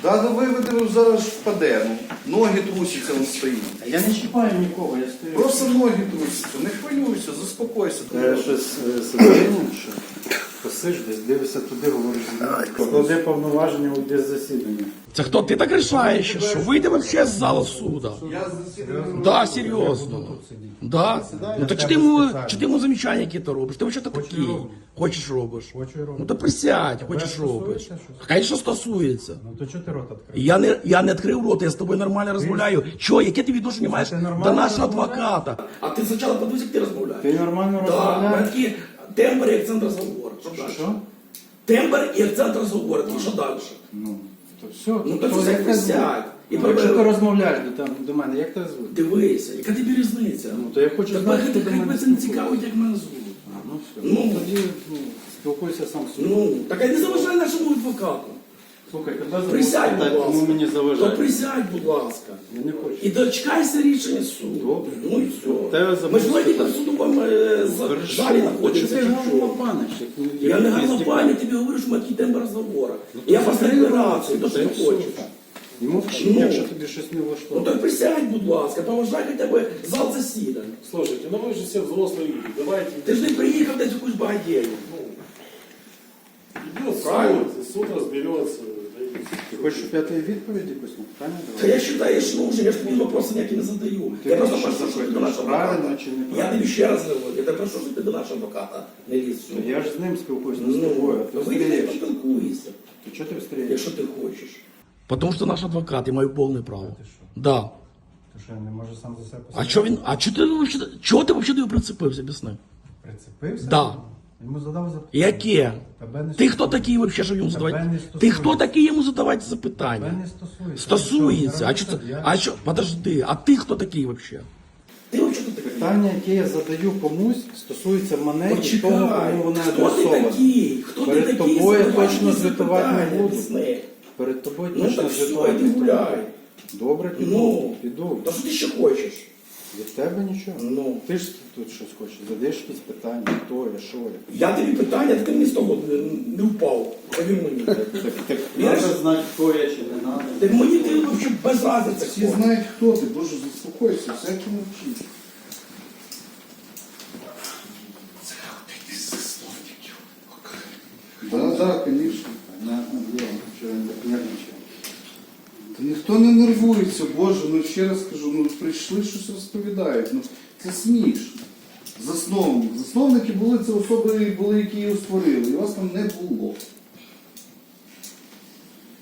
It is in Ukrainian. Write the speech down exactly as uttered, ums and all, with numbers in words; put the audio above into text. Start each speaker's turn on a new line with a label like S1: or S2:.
S1: Да, да виведемо, зараз впаде. Ну, ноги трусяться, він стоїть.
S2: Я не чіпаю нікого, я стою.
S1: Просто ноги трусяться, не хвилюйся, заспокойся.
S2: Я щось сидіння, що посиш десь, дивишся туди, говориш, склади повноваження, уйди з засідання.
S3: Це хто ти так рішаєш, що вийде вообще з зала суда?
S1: Я засідаю.
S3: Да, серйозно. Да? Ну то чи ти йому, чи ти йому замічання які-то робиш? Ти вообще такий? Хочеш робиш? Ну то присядь, хочеш робиш. Хай що стосується.
S4: Ну то чого ти рот відкрив?
S3: Я не, я не відкрив рот, я з тобою нормально розмовляю. Чого, яке ти відношення маєш до нашого адвоката? А ти спочатку подивись, як ти розмовляєш.
S2: Ти нормально
S3: Да,
S2: розмовляєш?
S3: такі тембр і акцент розговору. Що далі?
S2: Що?
S3: Тембр і акцент розговору. Що далі?
S2: Ну, то все.
S3: Ну, то
S2: то
S3: все
S2: як тебе
S3: присядь. І
S2: звуть? Ну, Якщо ти
S3: про-
S2: розмовляєш до, там, до мене, як тебе звуть?
S3: Дивися, яка тобі різниця?
S2: Ну, то я хочу
S3: Тебе
S2: знати,
S3: хай
S2: хто до мене
S3: це не
S2: спілкується.
S3: цікавить, як мене звуть.
S2: А, ну все.
S3: Ну.
S2: Тоді ну, спілкуйся сам з собою.
S3: Ну, так а не заважай нашому адвокату.
S2: Слухай, тебе зовут
S3: Присядь,
S2: так,
S3: будь
S2: кому
S3: ласка.
S2: мені
S3: То
S2: заважає?
S3: присядь, будь ласка.
S2: Я не хочу.
S3: І дочекайся рішення суду.
S2: Добре.
S3: Ну і все.
S2: Тебе
S3: Ми
S2: забудь
S3: ж вроді
S2: питання.
S3: в судовому е, з-
S2: Хорошо.
S3: залі
S2: Чи
S3: знаходимося.
S2: ти
S3: чи
S2: гарно
S3: що?
S2: лопаниш, як ні-
S3: Я
S2: як
S3: не
S2: ні
S3: гарно
S2: стільки?
S3: пані, я тобі говорю, що ми такий тембр розговору.
S2: Ну,
S3: Я
S2: то
S3: просто
S2: закрий
S3: декларацію, то
S2: рот,
S3: що
S2: та й
S3: ти
S2: все.
S3: хочеш.
S2: І мовчи,
S3: Ну.
S2: якщо тобі щось не
S3: Ну
S2: влаштовує.
S3: так присядь, будь ласка, поважай хоча б зал засідань.
S5: Слушайте, ну вы же все взрослые люди, давайте.
S3: Ти ж не приїхав десь якусь багатєю.
S5: Идет
S3: Правильно.
S5: суд, и суд разберется. да и
S2: Ти хочеш, щоб я тобі відповідь якусь на питання
S3: Та
S2: давав?
S3: я вважаю, що нужен, я ж тобі вопроси ніякі не задаю.
S2: Ти
S3: Я просто
S2: що
S3: прошу, щоб ти до
S2: запитуєш,
S3: нашого
S2: правильно
S3: адвоката.
S2: чи
S3: Я
S2: неправильно?
S3: тобі ще раз говорю, я тебе прошу, щоб ти до нашого адвоката не ліз сюди.
S2: Я ж з ним спілкуюсь, не з
S3: Ну,
S2: тобою. а Ти
S3: вийди і
S2: встрієш.
S3: поспілкуйся,
S2: То чого ти встрієш?
S3: якщо ти хочеш. Потому що наш адвокат, я маю повне право.
S4: Ти що?
S3: Да.
S4: Ти що, не може сам за себе
S3: А
S4: посадити?
S3: чого він, а чого ти вообще, чого ти вообще до його прицепився, об'ясни?
S4: Прицепився?
S3: Да.
S4: Йому задав запитання.
S3: Яке?
S4: Тебе не
S3: Ти хто
S4: стосується.
S3: такий вообще, щоб йому
S4: Тебе
S3: задавати?
S4: не
S3: Ти
S4: стосується.
S3: хто такий йому задавати
S4: Тебе
S3: запитання?
S4: не стосується.
S3: Стосується. А
S4: Ти
S3: що
S4: що,
S3: це?
S4: я-
S3: А що? Подожди, а ти хто такий вообще? Ти вообще хто такий?
S2: Питання, яке я задаю комусь, стосується мене і того,
S3: Почекай,
S2: кому вони
S3: хто ти
S2: адресовані.
S3: такий? Хто ти
S2: Перед
S3: такий?
S2: тобою
S3: Задавай
S2: точно
S3: мені
S2: звітувати не
S3: запитання,
S2: буду.
S3: об'ясни.
S2: Перед тобою
S3: Ну
S2: точно
S3: так все,
S2: звітувати
S3: йди
S2: не буду.
S3: гуляй.
S2: Добре, піду.
S3: Ну,
S2: піду.
S3: то що ти ще хочеш?
S2: Від тебе нічого.
S3: Ну.
S2: Ти ж тут щось хочеш, задаєш якісь питання, хто я, що я.
S3: Я тобі питання, ти мені з того не, не впав. Повір мені.
S2: Так, так
S3: Віриш?
S2: треба знати, хто я чи не треба.
S3: Так мені ти взагалі без разниці.
S1: Всі знають, хто ти, боже, заспокойся, всякі мовчить. Да, да, конечно.
S2: Понятно, діло, що він так нервничає.
S1: Та ніхто не нервується, боже, ну ще раз кажу, ну прийшли, щось розповідають. Ну це смішно. Засновник. Засновники були, це особи були, які його створили, і вас там не було.